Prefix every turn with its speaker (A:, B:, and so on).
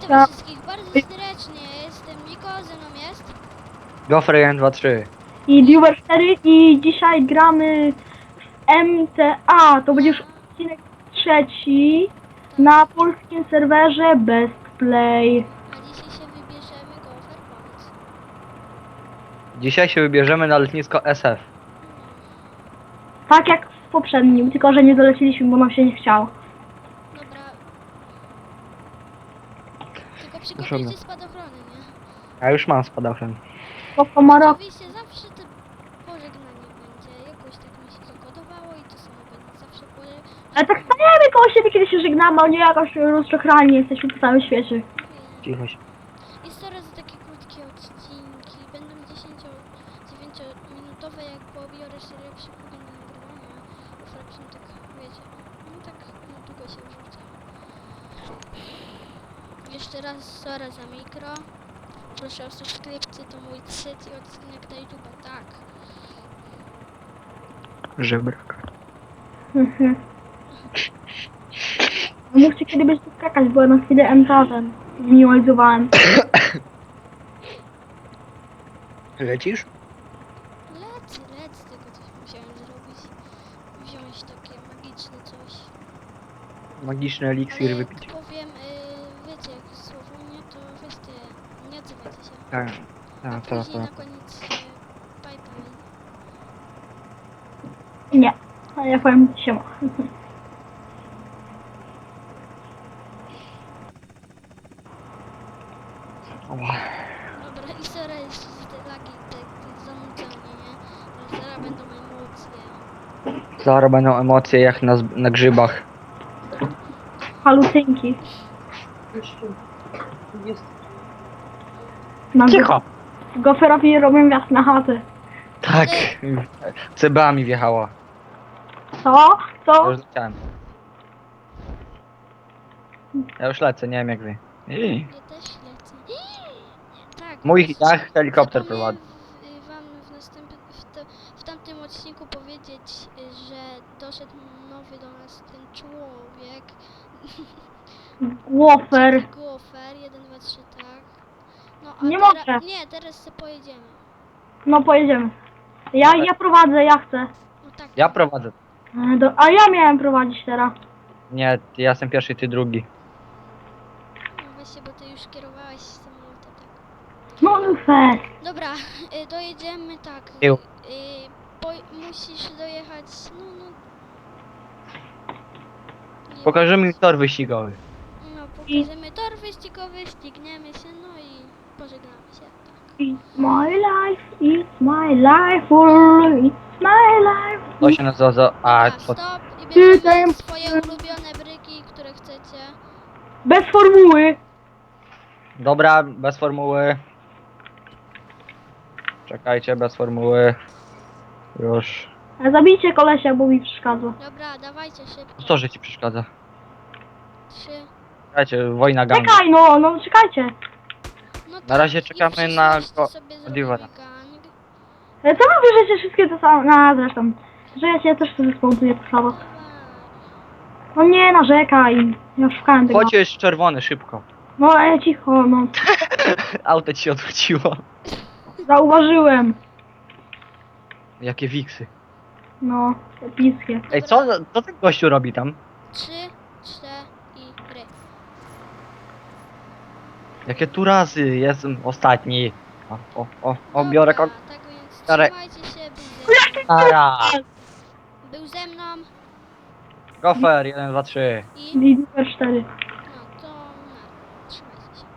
A: Tak.
B: wszystkich bardzo serdecznie, jestem Niko, ze mną jest.
C: Gofer 1, 2, 3.
A: I Viewer 4 i dzisiaj gramy w MTA. To będzie już odcinek trzeci na polskim serwerze Best Play.
B: A dzisiaj się wybierzemy Gofer, powiedz.
C: Dzisiaj się wybierzemy na lotnisko SF.
A: Tak jak w poprzednim, tylko że nie doleciliśmy, bo nam się nie chciało.
B: Dobra. Tylko
C: Proszę
B: przygotujcie spadochrony, nie?
C: Ja już mam spadochron.
A: Bo Komaro...
B: Oczywiście zawsze to pożegnanie będzie, jakoś tak mi się zakodowało i to samo będzie zawsze
A: Ale tak stajemy koło siebie, kiedy się żegnamy, a nie jakoś rozczochrani jesteśmy po całym świecie.
C: Cicho się.
B: I coraz takie krótkie odcinki, będą 10-9 minutowe, jak pobiorę się lepszy program do nagrywania. Ufracznie tak, wiecie, no tak długo się wrzuca. Jeszcze raz sorry za mikro. Proszę o subskrypcję, to mój trzeci odcinek na YouTube, tak.
C: Żebrak.
A: Mhm. Mówcie, kiedy będziecie skakać, bo ja na chwilę MTA-em zminimalizowałem.
C: Lecisz?
B: Lecę, tylko coś musiałem zrobić. Wziąć takie magiczne coś.
C: Magiczny eliksir
B: Ale
C: wypić.
B: jak powiem, wiecie, jak słowo nie, to weźcie, nie odzywajcie się.
C: Tak.
B: A
C: Tak,
B: później na
C: tak.
B: koniec bye bye.
A: Nie, a ja powiem siema.
C: Ła.
B: Dobra, i sorry jeszcze za te lagi, te zanudzenie, nie? Ale zaraz będą emocje.
C: Zaraz będą emocje jak na grzybach.
A: Halucynki. Na
C: Cicho!
A: Goferowi robią wjazd na chatę.
C: Tak. CBA mi wjechała.
A: Co?
C: Ja
A: Co?
C: już leciałem. Ja już lecę, nie wiem jak wy.
B: Ja też lecę. Tak.
C: Mój jak helikopter prowadzi.
B: Zapomniałem wam w tamtym odcinku powiedzieć, że doszedł nowy do nas ten człowiek.
A: Gofer.
B: Gofer, 1, 2, 3, tak. No a
A: Nie mogę.
B: Nie, teraz sobie pojedziemy.
A: No pojedziemy. Ja prowadzę, ja chcę.
B: No tak.
C: Ja prowadzę.
A: A ja miałem prowadzić teraz.
C: Nie, ja jestem pierwszy, ty drugi.
B: No właśnie, bo ty już kierowałeś samolotem, tak.
A: No fair.
B: Dobra, dojedziemy tak.
C: Tył.
B: Musisz dojechać, no. Nie
C: Pokażemy mi tor wyścigowy.
B: No, pokażemy tor wyścigowy, ścigniemy się, no i pożegnamy się, tak.
A: It's my life, it's my life, it's my life.
C: To się nazywa za... A,
B: Dobra,
C: co?
B: stop i bierzemy
A: Ty,
B: swoje ulubione bryki, które chcecie.
A: Bez formuły.
C: Dobra, bez formuły. Czekajcie, bez formuły. Już.
A: Zabijcie kolesia, bo mi przeszkadza.
B: Dobra, dawajcie szybko.
C: Co, że ci przeszkadza?
B: 3.
C: Czekajcie, wojna gangu.
A: Czekaj, no czekajcie.
B: No
C: Na razie
B: i
C: czekamy
B: w
C: na
B: przyszłości sobie zrobimy
C: Diwana.
B: gang.
A: Co wy bierzecie wszystkie to samo? No zresztą. Że ja też sobie społduję to samo.
B: Dawaj.
A: No nie narzekaj. Ja szukałem tego.
C: Chodź, jest czerwony, szybko.
A: No cicho, no.
C: Auto ci się odwróciło.
A: Zauważyłem.
C: Jakie wiksy.
A: No, epickie.
C: Ej, co ten gościu robi tam?
B: 3, 4 i ry.
C: Jakie tu razy? Jestem ostatni. O, biorę
B: Dobra,
C: kon...
B: tak więc
C: Biorę.
B: trzymajcie się,
C: Nara.
B: był ze mną
C: Gofer, 1, 2, 3.
B: i...
A: Lider 4.